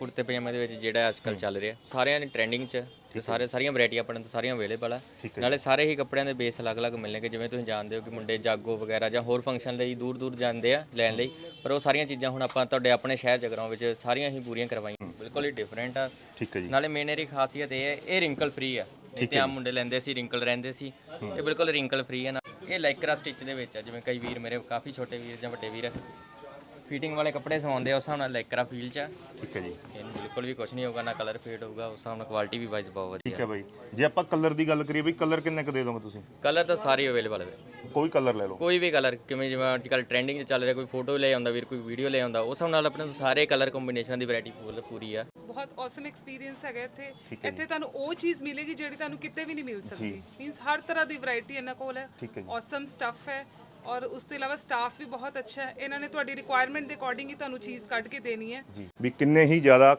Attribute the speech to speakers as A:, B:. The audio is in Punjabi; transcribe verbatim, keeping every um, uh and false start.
A: ਕੁੜਤੇ ਪਜਾਮੇ ਦੇ ਵਿੱਚ ਜਿਹੜਾ ਅੱਜ ਕੱਲ੍ਹ ਚੱਲ ਰਿਹਾ ਸਾਰਿਆਂ ਨੇ ਟ੍ਰੈਂਡਿੰਗ 'ਚ ਤੇ ਸਾਰੇ ਸਾਰੀਆਂ ਵੈਰਾਈਟੀ ਆਪਣੇ ਤੋਂ ਸਾਰੀਆਂ ਅਵੇਲੇਬਲ ਆ। ਨਾਲੇ ਸਾਰੇ ਹੀ ਕੱਪੜਿਆਂ ਦੇ ਬੇਸ ਅਲੱਗ-ਅਲੱਗ ਮਿਲਣਗੇ। ਜਿਵੇਂ ਤੁਸੀਂ ਜਾਣਦੇ ਹੋ ਕਿ ਮੁੰਡੇ ਜਾਗੋ ਵਗੈਰਾ ਜਾਂ ਹੋਰ ਫੰਕਸ਼ਨ ਲਈ ਦੂਰ ਦੂਰ ਜਾਂਦੇ ਆ ਲੈਣ ਲਈ, ਪਰ ਉਹ ਸਾਰੀਆਂ ਚੀਜ਼ਾਂ ਹੁਣ ਆਪਾਂ ਤੁਹਾਡੇ ਆਪਣੇ ਸ਼ਹਿਰ ਜਗਰਾਓਂ ਵਿੱਚ ਸਾਰੀਆਂ ਹੀ ਪੂਰੀਆਂ ਕਰਵਾਈਆਂ। ਬਿਲਕੁਲ ਹੀ ਡਿਫਰੈਂਟ ਆ।
B: ਠੀਕ ਹੈ ਜੀ।
A: ਨਾਲੇ ਮੇਨ ਇਹਦੀ ਖਾਸੀਅਤ ਇਹ ਹੈ ਇਹ ਰਿੰਕਲ ਫ੍ਰੀ ਆ। ਨਹੀਂ ਤੇ ਆਮ ਮੁੰਡੇ ਲੈਂਦੇ ਸੀ ਰਿੰਕਲ ਰਹਿੰਦੇ ਸੀ, ਇਹ ਬਿਲਕੁਲ ਰਿੰਕਲ ਫ੍ਰੀ ਹੈ। ਨਾ ਇਹ ਲਾਈਕਰਾ ਸਟਿਚ ਦੇ ਵਿੱਚ ਆ। ਜਿਵੇਂ ਕਈ ਵੀਰ ਮੇਰੇ ਕਾਫੀ ਛੋਟੇ ਵੀਰ ਜਾਂ ਵੱਡੇ ਵੀਰ ਫਿਟਿੰਗ ਵਾਲੇ ਕੱਪੜੇ ਸਵਾਉਂਦੇ ਆ, ਉਸ ਹਿਸਾਬ ਨਾਲ ਲਾਈਕਰਾ ਫੀਲ 'ਚ ਆ।
B: ਠੀਕ ਹੈ ਜੀ।
A: ਇਹਨੂੰ ਬਿਲਕੁਲ ਵੀ ਕੁਝ ਨਹੀਂ ਹੋਊਗਾ, ਨਾ ਕਲਰ ਫੇਡ ਹੋਊਗਾ, ਉਸ ਹਿਸਾਬ ਨਾਲ ਕੁਆਲਿਟੀ ਵੀ ਵਾਈਜ਼ ਬਹੁਤ ਵਧੀਆ।
B: ਠੀਕ ਹੈ ਬਾਈ, ਜੇ ਆਪਾਂ ਕਲਰ ਦੀ ਗੱਲ ਕਰੀਏ ਬਈ ਕਲਰ ਕਿੰਨੇ ਕੁ ਦੇ ਦੋਗੇ ਤੁਸੀਂ?
A: ਕਲਰ ਤਾਂ ਸਾਰੇ ਅਵੇਲੇਬਲ ਹੈ,
B: ਕੋਈ ਕਲਰ ਲੈ ਲਓ,
A: ਕੋਈ ਵੀ ਕਲਰ। ਕਿਵੇਂ ਜਿਵੇਂ ਅੱਜ ਕੱਲ੍ਹ ਟ੍ਰੈਂਡਿੰਗ 'ਚ ਚੱਲ ਰਿਹਾ, ਕੋਈ ਫੋਟੋ ਲੈ ਆਉਂਦਾ ਵੀਰ, ਕੋਈ ਵੀਡੀਓ ਲੈ ਆਉਂਦਾ, ਉਸ ਹਿਸਾਬ ਨਾਲ ਆਪਣੇ ਸਾਰੇ ਕਲਰ ਕੰਬੀਨੇਸ਼ਨ ਦੀ ਵੈਰਾਈਟੀ ਪੂਰੀ ਆ।
C: ਬਹੁਤ ਔਸਮ ਐਕਸਪੀਰੀਅੰਸ ਹੈਗਾ ਇੱਥੇ। ਇੱਥੇ ਤੁਹਾਨੂੰ ਉਹ ਚੀਜ਼ ਮਿਲੇਗੀ ਜਿਹੜੀ ਤੁਹਾਨੂੰ ਕਿਤੇ ਵੀ ਨਹੀਂ ਮਿਲ ਸਕਦੀ। ਮੀਨਸ ਹਰ ਤਰ੍ਹਾਂ ਦੀ ਵੈਰਾਈਟੀ ਇਹਨਾਂ ਕੋਲ ਹੈ। ਔਸਮ ਸਟੱਫ ਹੈ ਔਰ ਉਸ ਤੋਂ ਇਲਾਵਾ ਸਟਾਫ ਵੀ ਬਹੁਤ ਅੱਛਾ ਹੈ। ਇਹਨਾਂ ਨੇ ਤੁਹਾਡੀ ਰਿਕੁਆਇਰਮੈਂਟ ਦੇ ਅਕੋਰਡਿੰਗ ਹੀ ਤੁਹਾਨੂੰ ਚੀਜ਼ ਕੱਢ ਕੇ ਦੇਣੀ ਹੈ
B: ਜੀ। ਵੀ ਕਿੰਨੇ ਹੀ ਜ਼ਿਆਦਾ